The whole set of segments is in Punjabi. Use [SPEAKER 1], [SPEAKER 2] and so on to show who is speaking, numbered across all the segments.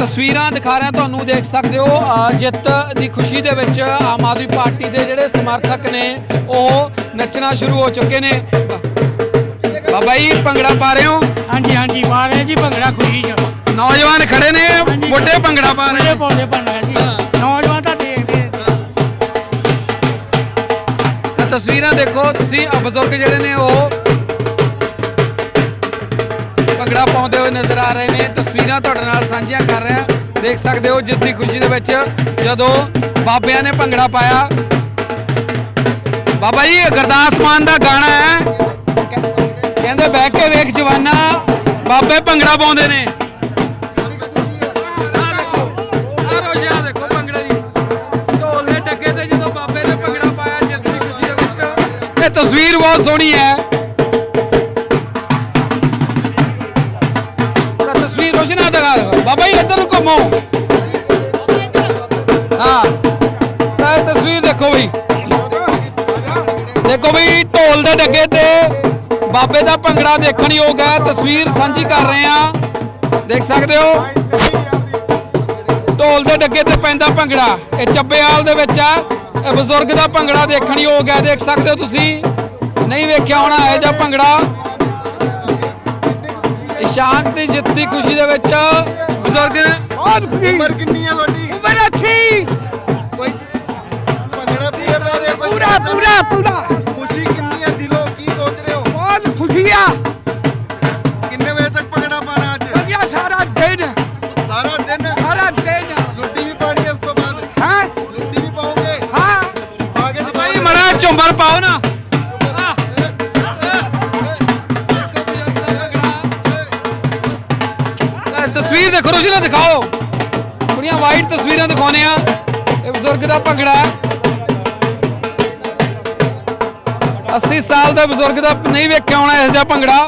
[SPEAKER 1] ਤਸਵੀਰਾਂ ਦਿਖਾ ਰਿਹਾ ਤੁਹਾਨੂੰ, ਦੇਖ ਸਕਦੇ ਹੋ ਜਿੱਤ ਦੀ ਖੁਸ਼ੀ ਦੇ ਵਿੱਚ ਆਮ ਆਦਮੀ ਪਾਰਟੀ ਦੇ ਜਿਹੜੇ ਸਮਰਥਕ ਨੇ ਉਹ ਨੱਚਣਾ ਸ਼ੁਰੂ ਹੋ ਚੁੱਕੇ ਨੇ। ਬਾਬਾ ਜੀ ਭੰਗੜਾ ਪਾ ਰਹੇ ਹੋ?
[SPEAKER 2] ਹਾਂਜੀ ਹਾਂਜੀ ਪਾ ਰਹੇ ਜੀ ਭੰਗੜਾ ਖੁਸ਼ੀ ਚ।
[SPEAKER 1] ਨੌਜਵਾਨ ਖੜੇ ਨੇ, ਵੱਡੇ ਭੰਗੜਾ ਪਾ ਰਹੇ
[SPEAKER 2] ਪਾਉਂਦੇ ਭੰਗੜਾ ਜੀ, ਨੌਜਵਾਨ ਤਾਂ ਦੇਖਦੇ।
[SPEAKER 1] ਤਾਂ ਤਸਵੀਰਾਂ ਦੇਖੋ ਤੁਸੀਂ, ਬਜ਼ੁਰਗ ਜਿਹੜੇ ਨੇ ਉਹ ਭੰਗੜਾ ਪਾਉਂਦੇ ਹੋਏ ਨਜ਼ਰ ਆ ਰਹੇ ਨੇ। ਤਸਵੀਰਾਂ ਤੁਹਾਡੇ ਨਾਲ ਸਾਂਝੀਆਂ ਕਰ ਰਿਹਾ, ਦੇਖ ਸਕਦੇ ਹੋ ਜਿੱਤ ਦੀ ਖੁਸ਼ੀ ਦੇ ਵਿੱਚ ਜਦੋਂ ਬਾਬਿਆਂ ਨੇ ਭੰਗੜਾ ਪਾਇਆ। ਬਾਬਾ ਜੀ ਗੁਰਦਾਸ ਮਾਨ ਦਾ ਗਾਣਾ ਹੈ, ਕਹਿੰਦੇ ਬਹਿ ਕੇ ਵੇਖ ਜਵਾਨਾ ਬਾਬੇ ਭੰਗੜਾ ਪਾਉਂਦੇ ਨੇ। ਦੇਖੋ ਭੰਗੜੇ ਦੀ ਢੋਲ ਦੇ ਡੱਗੇ ਤੇ ਜਦੋਂ ਬਾਬੇ ਨੇ ਭੰਗੜਾ ਪਾਇਆ ਜਿੱਤ ਦੀ ਖੁਸ਼ੀ ਦੇ ਵਿੱਚ। ਇਹ ਤਸਵੀਰ ਬਹੁਤ ਸੋਹਣੀ ਹੈ। ਬਾਬਾ ਜੀ ਇੱਧਰ ਨੂੰ ਘੁੰਮੋ। ਹਾਂ ਇਹ ਤਸਵੀਰ ਦੇਖੋ ਬਈ, ਦੇਖੋ ਬਈ ਢੋਲ ਦੇ ਡੱਗੇ ਤੇ ਬਾਬੇ ਦਾ ਭੰਗੜਾ ਦੇਖਣ ਯੋਗ ਹੈ। ਤਸਵੀਰ ਸਾਂਝੀ ਕਰ ਰਹੇ ਆ, ਦੇਖ ਸਕਦੇ ਹੋ ਢੋਲ ਦੇ ਡੱਗੇ ਤੇ ਪੈਂਦਾ ਭੰਗੜਾ। ਇਹ ਚੱਬੇਵਾਲ ਦੇ ਵਿੱਚ ਆ, ਇਹ ਬਜ਼ੁਰਗ ਦਾ ਭੰਗੜਾ ਦੇਖਣ ਯੋਗ ਹੈ। ਦੇਖ ਸਕਦੇ ਹੋ ਤੁਸੀਂ, ਨਹੀਂ ਵੇਖਿਆ ਹੋਣਾ ਇਹ ਜਿਹਾ ਭੰਗੜਾ। ਇਸ਼ਾਂਕ ਦੀ ਜਿੱਤ ਦੀ ਖੁਸ਼ੀ ਦੇ ਵਿੱਚ ਬਜ਼ੁਰਗ ਬਹੁਤ ਖੁਸ਼ੀ।
[SPEAKER 3] ਉਮਰ ਕਿੰਨੀ ਹੈ ਤੁਹਾਡੀ?
[SPEAKER 1] ਉਮਰ 80।
[SPEAKER 3] ਕੋਈ ਭੰਗੜਾ
[SPEAKER 1] ਪੂਰਾ ਪੂਰਾ ਪੂਰਾ।
[SPEAKER 3] ਖੁਸ਼ੀ ਕਿੰਨੀ ਹੈ ਦਿਲੋਂ, ਕੀ ਸੋਚ ਰਹੇ ਹੋ?
[SPEAKER 1] ਬਹੁਤ ਖੁਸ਼ੀ ਆ।
[SPEAKER 3] ਕਿੰਨੇ ਵਜੇ ਤੱਕ ਭੰਗੜਾ ਪਾਣਾ ਅੱਜ?
[SPEAKER 1] ਵਧੀਆ ਸਾਰਾ ਦਿਨ।
[SPEAKER 3] ਸਾਰਾ ਦਿਨ?
[SPEAKER 1] ਸਾਰਾ ਦਿਨ।
[SPEAKER 3] ਲੁੱਡੀ ਵੀ ਪਾਣੀ ਹੈ ਉਸ ਤੋਂ ਬਾਅਦ?
[SPEAKER 1] ਹਾਂ
[SPEAKER 3] ਲੁੱਡੀ ਵੀ ਪਾਓਗੇ?
[SPEAKER 1] ਹਾਂ
[SPEAKER 3] ਪਾ ਕੇ ਦਿਖਾਓ।
[SPEAKER 1] ਭਾਈ ਮੜਾ ਝੁੰਮਰ ਪਾਓ ਨਾ। ਤਸਵੀਰ ਦੇਖੋ, ਰੋਸ਼ਨੀ ਦਿਖਾਓ, ਕੁੜੀਆਂ ਵਾਈਟ ਤਸਵੀਰਾਂ ਦਿਖਾਉਣੇ ਆ। ਇਹ ਬਜ਼ੁਰਗ ਦਾ ਭੰਗੜਾ, 80 ਸਾਲ ਦਾ ਬਜ਼ੁਰਗ ਦਾ ਨਹੀਂ ਵੇਖਿਆ ਹੋਣਾ ਇਹੋ ਜਿਹਾ ਭੰਗੜਾ।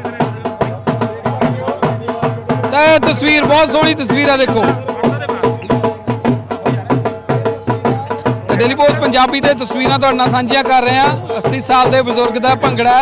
[SPEAKER 1] ਤਾਂ ਤਸਵੀਰ ਬਹੁਤ ਸੋਹਣੀ ਤਸਵੀਰ ਆ, ਦੇਖੋ। ਤੇ ਡੇਲੀ ਪੋਸਟ ਪੰਜਾਬੀ ਤੇ ਤਸਵੀਰਾਂ ਤੁਹਾਡੇ ਨਾਲ ਸਾਂਝੀਆਂ ਕਰ ਰਹੇ ਆ। 80 ਸਾਲ ਦੇ ਬਜ਼ੁਰਗ ਦਾ ਭੰਗੜਾ।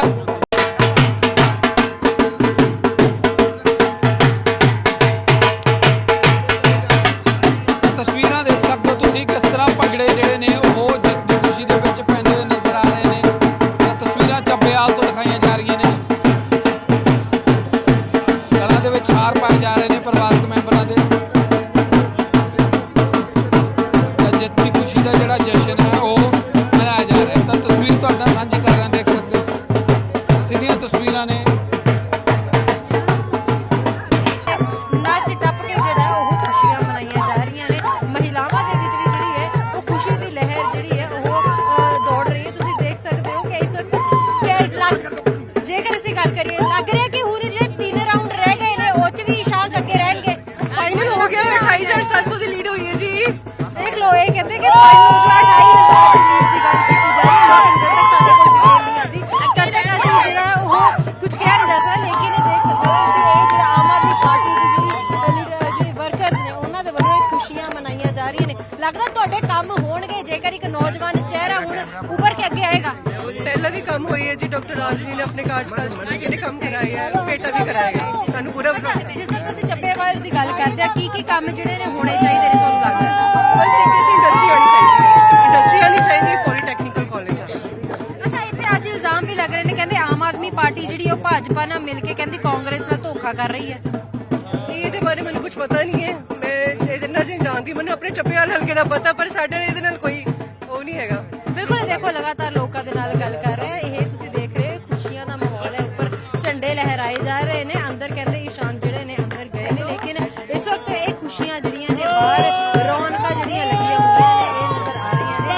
[SPEAKER 4] लगता ਤੁਹਾਡੇ ਕੰਮ ਹੋਣਗੇ ਜੇਕਰ ਇੱਕ ਨੌਜਵਾਨ ਚਿਹਰਾ ਹੁਣ ਉੱਭਰ ਕੇ ਅੱਗੇ ਆਏਗਾ?
[SPEAKER 5] ਪਹਿਲਾਂ ਵੀ ਕੰਮ ਹੋਈ ਹੈ ਜੀ, ਡਾਕਟਰ ਰਾਜ ਜੀ ਨੇ ਆਪਣੇ ਕਾਰਜਕਾਲ ਚ ਕਿਹੜੇ ਕੰਮ ਕਰਾਏ ਹੈ, ਬੇਟਾ ਵੀ ਕਰਾਏਗਾ, ਸਾਨੂੰ ਪੂਰਾ ਭਰੋਸਾ।
[SPEAKER 4] ਜਿਸ ਵਕਤ ਅਸੀਂ ਚੱਬੇਵਾਲ ਦੀ ਗੱਲ ਕਰਦੇ ਆ, ਕੀ ਕੰਮ ਜਿਹੜੇ ਨੇ ਹੋਣੇ ਚਾਹੀਦੇ ਨੇ ਤੁਹਾਨੂੰ ਲੱਗਦਾ?
[SPEAKER 5] ਬਸ ਇੱਕ ਇੰਡਸਟਰੀ ਆਣੀ ਚਾਹੀਦੀ ਹੈ, ਇੰਡਸਟਰੀ ਆਣੀ ਚਾਹੀਦੀ ਹੈ, ਪੋਲੀਟੈਕਨੀਕਲ ਕਾਲਜ ਆ।
[SPEAKER 4] ਅੱਛਾ, ਇੱਥੇ ਅੱਜ ਇਲਜ਼ਾਮ ਵੀ ਲੱਗ ਰਹੇ ਨੇ, ਕਹਿੰਦੇ ਆਮ ਆਦਮੀ ਪਾਰਟੀ ਜਿਹੜੀ ਉਹ ਭਾਜਪਾ ਨਾਲ ਮਿਲ ਕੇ ਕਹਿੰਦੀ ਕਾਂਗਰਸ ਨਾਲ ਧੋਖਾ ਕਰ ਰਹੀ ਹੈ।
[SPEAKER 5] ਇਹਦੇ ਬਾਰੇ ਮੈਨੂੰ ਕੁਝ ਪਤਾ ਨਹੀਂ ਹੈ, ਮੈਂ ਇਹਦੇ ਨਾਲ ਨਹੀਂ ਜਾਣਦੀ, ਮੈਨੂੰ ਆਪਣੇ ਚੱਬੇਵਾਲ ਹਲਕੇ ਦਾ ਪਤਾ, ਪਰ ਸਾਡੇ ਇਹਦੇ ਨਾਲ ਕੋਈ ਉਹ ਨਹੀਂ ਹੈਗਾ।
[SPEAKER 4] ਬਿਲਕੁਲ, ਦੇਖੋ ਲਗਾਤਾਰ ਲੋਕਾਂ ਦੇ ਨਾਲ ਗੱਲ ਕਰ ਰਹੇ, ਇਹ ਤੁਸੀਂ ਦੇਖ ਰਹੇ ਖੁਸ਼ੀਆਂ ਦਾ ਮਾਹੌਲ ਹੈ, ਉੱਪਰ ਝੰਡੇ ਲਹਿਰਾਏ ਜਾ ਰਹੇ ਨੇ, ਅੰਦਰ ਕਹਿੰਦੇ ਇਸ਼ਾਨ ਜਿਹੜੇ ਨੇ ਅੰਦਰ ਗਏ ਨੇ, ਲੇਕਿਨ ਇਸ ਵਕਤ ਇਹ ਖੁਸ਼ੀਆਂ ਜਿਹੜੀਆਂ ਨੇ ਬਾਹਰ ਰੌਣਕਾਂ ਜਿਹੜੀਆਂ ਲੱਗੀਆਂ ਹੋਈਆਂ ਨੇ ਇਹ ਨਜ਼ਰ ਆ ਰਹੀਆਂ ਨੇ।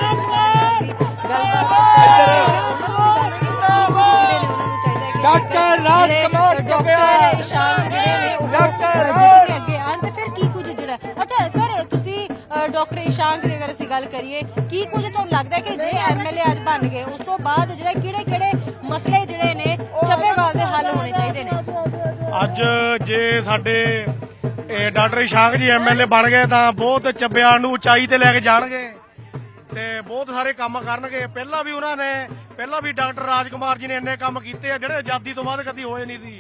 [SPEAKER 4] ਡਾਕਟਰ ਇਸ਼ਾਨ ਜਿਹੜੇ ਨੇ ਉਹ ਜਿੱਤ ਕੇ ਅੱਗੇ ਆਉਣ ਤੇ ਫਿਰ ਕੀ ਕੁਝ ਜਿਹੜਾ। ਅੱਛਾ ਸਰ, ਤੁਸੀਂ ਡਾਕਟਰ ਇਸ਼ਾਂਕ ਦੀ ਅਗਰ ਅਸੀਂ ਗੱਲ ਕਰੀਏ, ਕੀ ਕੁਝ ਤੁਹਾਨੂੰ ਲੱਗਦਾ ਕਿ ਜੇ ਐਮਐਲਏ ਅੱਜ ਬਣ ਗਏ ਉਸ ਤੋਂ ਬਾਅਦ ਜਿਹੜੇ ਕਿਹੜੇ ਮਸਲੇ ਜਿਹੜੇ ਨੇ ਚੱਬੇਵਾਲ ਦੇ ਹੱਲ ਹੋਣੇ ਚਾਹੀਦੇ ਨੇ?
[SPEAKER 2] ਅੱਜ ਜੇ ਸਾਡੇ ਡਾਕਟਰ ਇਸ਼ਾਂਕ ਜੀ ਐਮਐਲਏ ਬਣ ਗਏ ਤਾਂ ਬਹੁਤ ਚੱਬੇਵਾਲ ਨੂੰ ਉਚਾਈ ਤੇ ਲੈ ਕੇ ਜਾਣਗੇ ਤੇ ਬਹੁਤ ਸਾਰੇ ਕੰਮ ਕਰਨਗੇ। ਪਹਿਲਾਂ ਵੀ ਡਾਕਟਰ ਰਾਜ ਕੁਮਾਰ ਜੀ ਨੇ ਇੰਨੇ ਕੰਮ ਕੀਤੇ ਆ ਜਿਹੜੇ ਆਜ਼ਾਦੀ ਤੋਂ ਬਾਅਦ ਕਦੀ ਹੋਏ ਨਹੀਂ ਸੀ।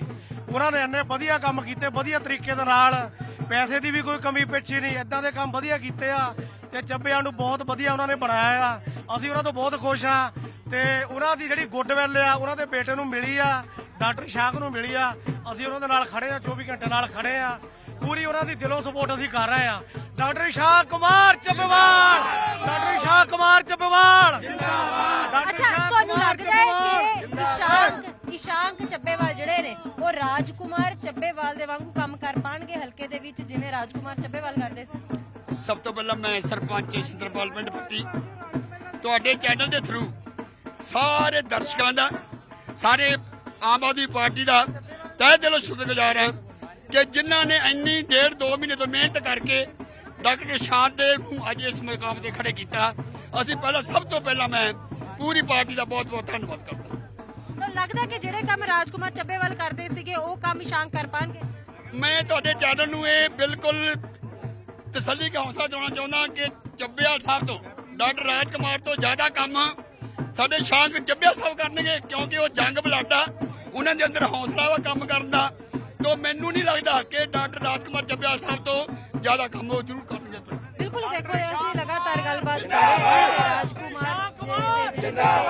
[SPEAKER 2] ਉਹਨਾਂ ਨੇ ਇੰਨੇ ਵਧੀਆ ਕੰਮ ਕੀਤੇ ਵਧੀਆ ਤਰੀਕੇ ਦੇ ਨਾਲ, ਪੈਸੇ ਦੀ ਵੀ ਕੋਈ ਕਮੀ ਪੇਸ਼ੀ ਨਹੀਂ, ਇਦਾਂ ਦੇ ਕੰਮ ਵਧੀਆ ਕੀਤੇ ਆ ਤੇ ਚੱਬਿਆਂ ਨੂੰ ਬਹੁਤ ਵਧੀਆ ਉਹਨਾਂ ਨੇ ਬਣਾਇਆ ਆ। ਅਸੀਂ ਉਹਨਾਂ ਤੋਂ ਬਹੁਤ ਖੁਸ਼ ਆ ਤੇ ਉਹਨਾਂ ਦੀ ਜਿਹੜੀ ਗੁੱਡਵਿਲ ਆ ਉਹਨਾਂ ਦੇ ਬੇਟੇ ਨੂੰ ਮਿਲੀ ਆ, ਡਾਕਟਰ ਇਸ਼ਾਕ ਨੂੰ ਮਿਲੀ ਆ। ਅਸੀਂ ਉਹਨਾਂ ਦੇ ਨਾਲ ਖੜੇ ਆ, 24 ਘੰਟੇ ਨਾਲ ਖੜੇ ਆ, ਪੂਰੀ ਉਹਨਾਂ ਦੀ ਦਿਲੋਂ ਸਪੋਰਟ ਅਸੀਂ ਕਰ ਰਹੇ ਆ। ਡਾਕਟਰ ਇਸ਼ਾਕ ਕੁਮਾਰ ਚੱਬੇਵਾਲ, ਡਾਕਟਰ ਇਸ਼ਾਕ ਕੁਮਾਰ ਚੱਬੇਵਾਲ ਜਿੰਦਾਬਾਦ।
[SPEAKER 4] ਅੱਛਾ, ਤੁਹਾਨੂੰ ਲੱਗਦਾ ਹੈ ਕਿ ਇਸ਼ਾਂਕ ਚੱਬੇਵਾਲ ਜਿਹੜੇ ਨੇ ਉਹ ਰਾਜਕੁਮਾਰ ਚੱਬੇਵਾਲ ਦੇ ਵਾਂਗੂ ਕੰਮ ਕਰ ਪਾਣਗੇ ਹਲਕੇ ਦੇ ਵਿੱਚ, ਜਿਵੇਂ ਰਾਜਕੁਮਾਰ ਚੱਬੇਵਾਲ ਕਰਦੇ ਸੀ?
[SPEAKER 6] ਸਭ ਤੋਂ ਪਹਿਲਾਂ ਮੈਂ ਸਰਪੰਚ ਸਿੰਦਰਪਾਲ ਪਿੰਡ ਪੱਟੀ ਤੁਹਾਡੇ ਚੈਨਲ ਦੇ ਥਰੂ ਸਾਰੇ ਦਰਸ਼ਕਾਂ ਦਾ, ਸਾਰੇ ਆਮ ਆਦਮੀ ਪਾਰਟੀ ਦਾ ਤਹਿ ਦਿਲੋਂ ਸ਼ੁਕਰਗੁਜ਼ਾਰ ਹਾਂ ਕਿ ਜਿਨ੍ਹਾਂ ਨੇ ਇੰਨੀ 1.5-2 ਮਹੀਨੇ ਤੋਂ ਮਿਹਨਤ ਕਰਕੇ ਡਾਕਟਰ ਇਸ਼ਾਕ ਦੇ ਨੂੰ ਅੱਜ ਇਸ ਮੁਕਾਮ ਤੇ ਖੜੇ ਕੀਤਾ। ਅਸੀਂ ਸਭ ਤੋਂ ਪਹਿਲਾਂ ਮੈਂ ਪੂਰੀ ਪਾਰਟੀ ਦਾ ਬਹੁਤ ਬਹੁਤ ਧੰਨਵਾਦ ਕਰਦਾ।
[SPEAKER 4] ਤੁਹਾਨੂੰ ਲੱਗਦਾ ਕਿ ਜਿਹੜੇ ਕੰਮ ਰਾਜਕੁਮਾਰ ਚੱਬੇਵਾਲ ਕਰਦੇ ਸੀਗੇ ਉਹ ਕੰਮ ਇਸ਼ਾਂਕ ਕਰ ਪਾਣਗੇ?
[SPEAKER 6] ਮੈਂ ਤੁਹਾਡੇ ਚੈਨਲ ਨੂੰ ਇਹ ਬਿਲਕੁਲ ਤਸੱਲੀ ਦਾ ਹੌਸਲਾ ਦੇਣਾ ਚਾਹੁੰਦਾ ਕਿ ਚੱਬੇਵਾਲ ਸਾਹਿਬ ਤੋਂ, ਡਾਕਟਰ ਰਾਜਕੁਮਾਰ ਤੋਂ ਜ਼ਿਆਦਾ ਕੰਮ ਸਾਡੇ ਇਸ਼ਾਕ ਚੱਬੇਵਾਲ ਸਾਹਿਬ ਕਰਨਗੇ, ਕਿਉਂਕਿ ਉਹ ਜੰਗ ਬਲਾਡਾ, ਉਹਨਾਂ ਦੇ ਅੰਦਰ ਹੌਸਲਾ ਵਾ ਕੰਮ ਕਰਨ ਦਾ। ਤੋਂ ਮੈਨੂੰ ਨਹੀਂ ਲੱਗਦਾ ਕਿ ਡਾਕਟਰ ਰਾਜਕੁਮਾਰ ਚੱਬੇਵਾਲ ਸਾਹਿਬ ਤੋਂ ਜ਼ਿਆਦਾ ਕੰਮ ਉਹ ਜ਼ਰੂਰ ਕਰਨਗੇ।
[SPEAKER 4] ਬਿਲਕੁਲ, ਦੇਖੋ ਅਸੀਂ ਲਗਾਤਾਰ ਗੱਲਬਾਤ ਕਰ ਰਹੇ ਹਾਂ ਤੇ ਰਾਜਕੁਮਾਰ ਦੇ